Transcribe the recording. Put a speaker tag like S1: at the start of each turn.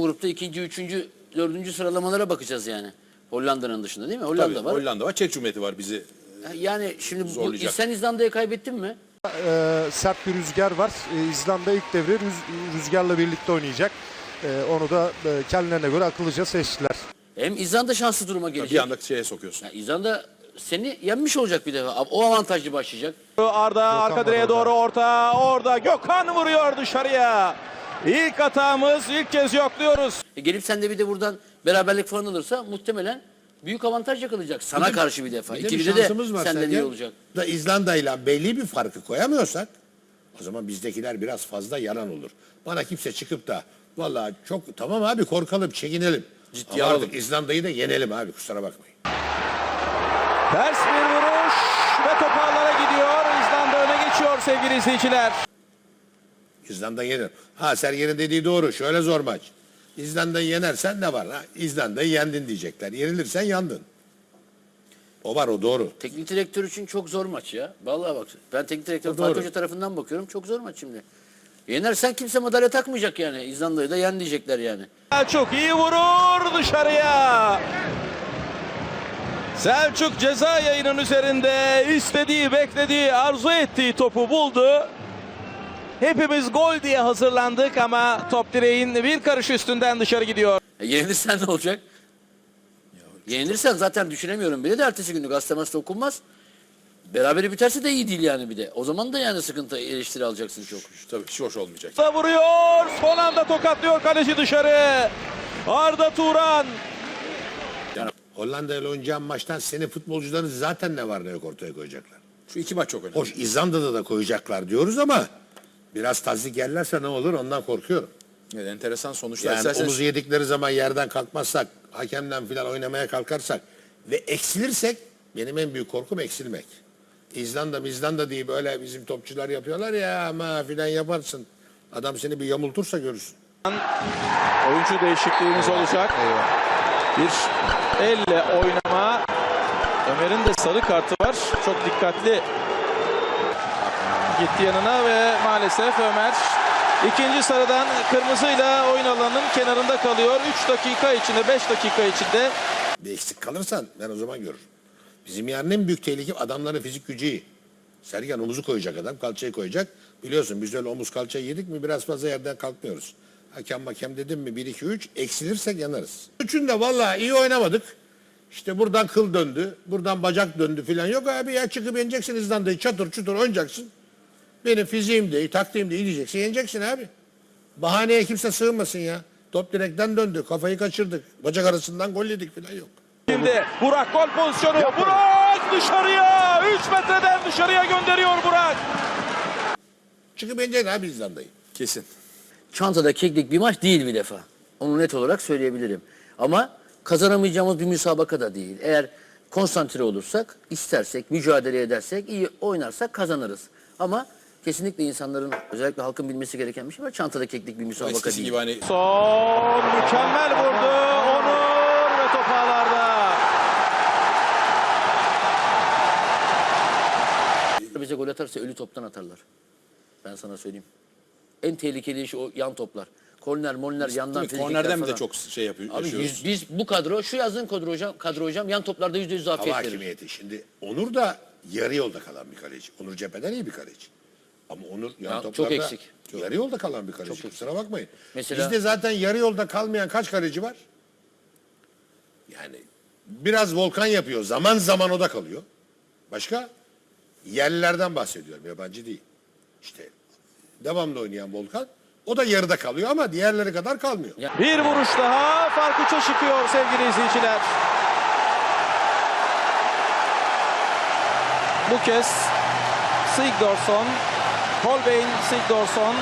S1: grupta ikinci, üçüncü, dördüncü sıralamalara bakacağız yani. Hollanda'nın dışında değil mi? Hollanda
S2: Tabii,
S1: var.
S2: Hollanda var. Çek Cumhuriyeti var bizi.
S1: Yani şimdi
S2: Zorlayacak.
S1: sen İzlanda'ya kaybettin mi?
S3: Sert bir rüzgar var. İzlanda ilk devre rüzgarla birlikte oynayacak. Onu da kendilerine göre akıllıca seçtiler.
S1: Hem İzlanda şanslı duruma gelecek.
S2: Bir anda şeye sokuyorsun.
S1: Yani İzlanda seni yenmiş olacak bir defa. O avantajlı başlayacak.
S4: Arda arka direğe doğru orada Gökhan vuruyor dışarıya. İlk hatamız, ilk kez yokluyoruz.
S1: Gelip sen de bir de buradan beraberlik falan alırsa muhtemelen büyük avantaj yakalayacak. Sana karşı bir defa.
S5: Bir de bir
S1: İkilide de
S5: şansımız var
S1: senden iyi
S5: Sergen.
S1: olacak.
S5: Da İzlanda'yla belli bir farkı koyamıyorsak o zaman bizdekiler biraz fazla yalan olur. Bana kimse çıkıp da vallahi çok tamam abi korkalım, çekinelim.
S2: Ciddiye
S5: Ama
S2: alalım.
S5: artık İzlanda'yı da yenelim abi, kusura bakmayın.
S4: Ters bir vuruş ve top ağlara gidiyor. İzlanda öne geçiyor sevgili izleyiciler.
S5: İzlanda yenir. Ha Sergen'in dediği doğru. Şöyle zor maç. İzlanda'yı yenersen ne var? Ha? İzlanda'yı yendin diyecekler. Yenilirsen yandın. O var, o doğru.
S1: Teknik direktör için çok zor maç ya. Vallahi bak. Ben teknik direktör
S5: O doğru.
S1: Fatih Hoca tarafından bakıyorum. Çok zor maç şimdi. Yenersen kimse madalya takmayacak yani. İzlanda'yı da yen diyecekler yani.
S4: Selçuk iyi vurur dışarıya. Selçuk ceza yayının üzerinde istediği, beklediği, arzu ettiği topu buldu. Hepimiz gol diye hazırlandık ama top direğin bir karış üstünden dışarı gidiyor.
S1: Yenilirsen ne olacak? Yenilirsen zaten düşünemiyorum bile de ertesi günü gazete okunmaz. Berabere biterse de iyi değil yani bir de. O zaman da yani sıkıntı, eleştiri alacaksın çok.
S2: Tabii hiç hoş olmayacak.
S4: Da vuruyor. Son anda tokatlıyor kaleci dışarı. Arda Turan.
S5: Hollanda ile oynayacağın maçtan senin futbolcuların zaten ne var ne yok ortaya koyacaklar.
S2: Şu iki maç çok önemli.
S5: Hoş İzlanda'da da koyacaklar diyoruz ama biraz tazik yerlerse ne olur ondan korkuyorum.
S2: Evet, enteresan sonuçlar.
S5: Yani
S2: İsterseniz
S5: omuzu yedikleri zaman yerden kalkmazsak, hakemden filan oynamaya kalkarsak ve eksilirsek benim en büyük korkum eksilmek. İzlanda diye böyle bizim topçular yapıyorlar ya ama filan yaparsın. Adam seni bir yamultursa görürsün.
S4: Oyuncu değişikliğimiz olacak. Bir elle oynama. Ömer'in de sarı kartı var. Çok dikkatli gitti yanına ve maalesef Ömer ikinci sarıdan kırmızıyla oyun alanının kenarında kalıyor. 3 dakika içinde, 5 dakika içinde.
S5: Bir eksik kalırsan ben o zaman görürüm. Bizim yarın en büyük tehlike adamların fizik gücü iyi. Sergen omuzu koyacak adam, kalçayı koyacak. Biliyorsun biz öyle omuz kalçayı yedik mi biraz fazla yerden kalkmıyoruz. Hakem dedim mi 1-2-3 eksilirsek yanarız. Üçünde vallahi iyi oynamadık. İşte buradan kıl döndü, buradan bacak döndü filan. Yok abi ya çıkıp yeneceksin İzlanda'yı çatır çutur oynayacaksın. Benim fiziğim de iyi, taktiğim de iyi diyeceksin. Yeneceksin abi. Bahaneye kimse sığınmasın ya. Top direkten döndü, kafayı kaçırdık. Bacak arasından gol yedik filan yok.
S4: Şimdi Burak gol pozisyonu. Burak dışarıya. 3 metreden dışarıya gönderiyor Burak.
S5: Çıkıp yeneceksin abi İzlanda'yı.
S2: kesin.
S1: Çantada keklik bir maç değil bir defa. Onu net olarak söyleyebilirim. Ama kazanamayacağımız bir müsabaka da değil. Eğer konsantre olursak, istersek, mücadele edersek, iyi oynarsak kazanırız. Ama kesinlikle insanların, özellikle halkın bilmesi gereken bir şey var. Çantada keklik bir müsabaka
S2: Eskisi
S1: değil.
S2: gibi hani
S4: Son mükemmel vurdu. Onur ve top ağlarda.
S1: Bize gol atarsa ölü toptan atarlar. Ben sana söyleyeyim. En tehlikeli iş o yan toplar. Korner, yandan frikikler
S2: kornerden mi
S1: falan.
S2: de çok şey yapıyor.
S1: Abi
S2: yaşıyoruz.
S1: biz bu kadro, şu yazın kadro hocam yan toplarda %100
S5: Hava
S1: afiyet verir.
S5: hakimiyeti. Şimdi Onur da yarı yolda kalan bir kaleci. Onur cepheden iyi bir kaleci. Ama Onur yan
S1: Ya,
S5: toplarda
S1: çok eksik.
S5: yarı yolda kalan bir kaleci.
S1: Çok
S5: Kusura bakmayın.
S1: Mesela-
S5: Bizde zaten yarı yolda kalmayan kaç kaleci var? Yani biraz Volkan yapıyor. Zaman zaman o da kalıyor. Başka? Yerlilerden bahsediyorum. Yabancı değil. İşte devamlı oynayan Volkan. O da yarıda kalıyor ama diğerleri kadar kalmıyor.
S4: Bir vuruş daha fark 3'e çıkıyor sevgili izleyiciler. Bu kez Sigdorsson, Holbein Sigdorsson